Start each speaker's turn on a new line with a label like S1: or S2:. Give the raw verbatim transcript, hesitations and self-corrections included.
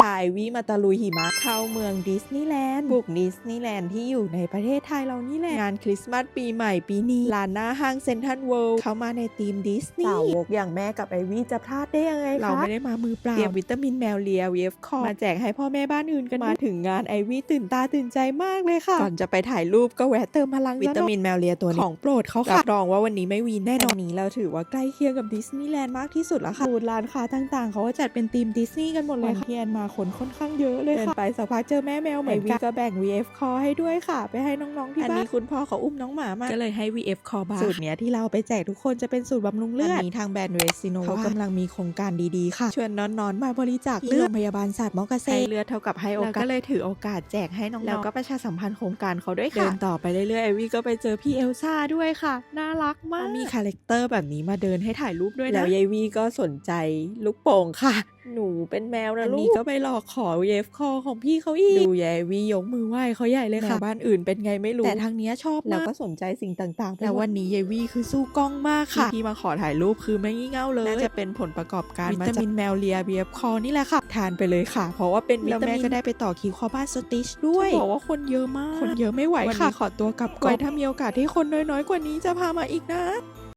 S1: พาไอวี่มาตะลุยหิมะเข้าเมืองดิสนีย์แลนด์บุกดิสนีย์แลนด์ที่อยู่ในประเทศไทยเรานี่แหละงานคริสต์มาสปีใหม่ปีนี้ลานหน้าห้างเซ็นทรัลเวิลด์เข้ามาในธีมดิสนีย์สาวกอย่างแม่กับไอวี่จะพลาดได้ยังไงคะเราไม่ได้มามือเปล่าเตรียมวิตามินแมวเลีย วี เอฟ คอร์มาแจกให้พ่อแม่บ้านอื่นกันมาถึงงานไอวี่ตื่นตาตื่นใจมากเลยค่ะก่อนจะไปถ่ายรูปก็แวะเติมพลังวิตามินแมวเลียตัวนี้ของโปรดเขาค่ะรับรองว่าวันนี้ไม่วีนแน่นอนนี้เราถือว่าใกล้เคียงกับดิสนีย์แลนด์มากที่สุดแล้วค่ะบูธร้านค้าต่างๆเขาก็จัดเป็นธีมดิสนีย์กันหมดเลยค่ะเทียนมาคนค่อนข้างเยอะเลยค่ะเดินไปสักพักเจอแม่แมวเหมือนกันก็แบ่ง วี เอฟ Call ให้ด้วยค่ะไปให้น้องๆที่บ้านอันนี้คุณพ่อเขาอุ้มน้องหมามาก็เลยให้ วี เอฟ Call บ้างสูตรเนี้ยที่เราไปแจกทุกคนจะเป็นสูตรบำรุงเลือดอันนี้ทางแบรนด์เวสซิโนเขากำลังมีโครงการดีๆค่ะชวนน้อนๆมาบริจาคเลือดโรงพยาบาลศาสตร์มอเกษตรให้เลือดเท่ากับให้โอกาสก็เลยถือโอกาสแจกให้น้องๆแล้วก็ประชาสัมพันธ์โครงการเขาด้วยค่ะเดินต่อไปเรื่อยๆไอวี่ก็ไปเจอพี่เอลซ่าด้วยค่ะน่ารักมากมีคาแรคเตอร์แบบนี้มาเดินให้ถ่ายรูปด้วยนะแล้วยายวี่ก็สนใจลูกโป่งค่ะหนูเป็นแมวนะลูกอันนี้ก็ไปหลอกขอ วี เอฟ Call ของพี่เขาอีกดูยายวี่ยกมือไหว้เขาใหญ่เลยค่ะบ้านอื่นเป็นไงไม่รู้แต่ทางนี้ชอบแล้วก็สนใจสิ่งต่างๆแล้ววันนี้ยายวี่คือสู้กล้องมากค่ะที่มาขอถ่ายรูปคือไม่งี่เง่าเลยน่าจะเป็นผลประกอบการวิตามินแมวเลีย วี เอฟ Call นี่แหละค่ะทานไปเลยค่ะเพราะว่าเป็นวิตามินแล้วแม่ก็ได้ไปต่อคิวคอบ้านสติชด้วยบอกว่าคนเยอะมากคนเยอะไม่ไหวค่ะขอตัวกลับก่อนถ้ามีโอกาสที่คนน้อยๆกว่านี้จะพามาอีกนะ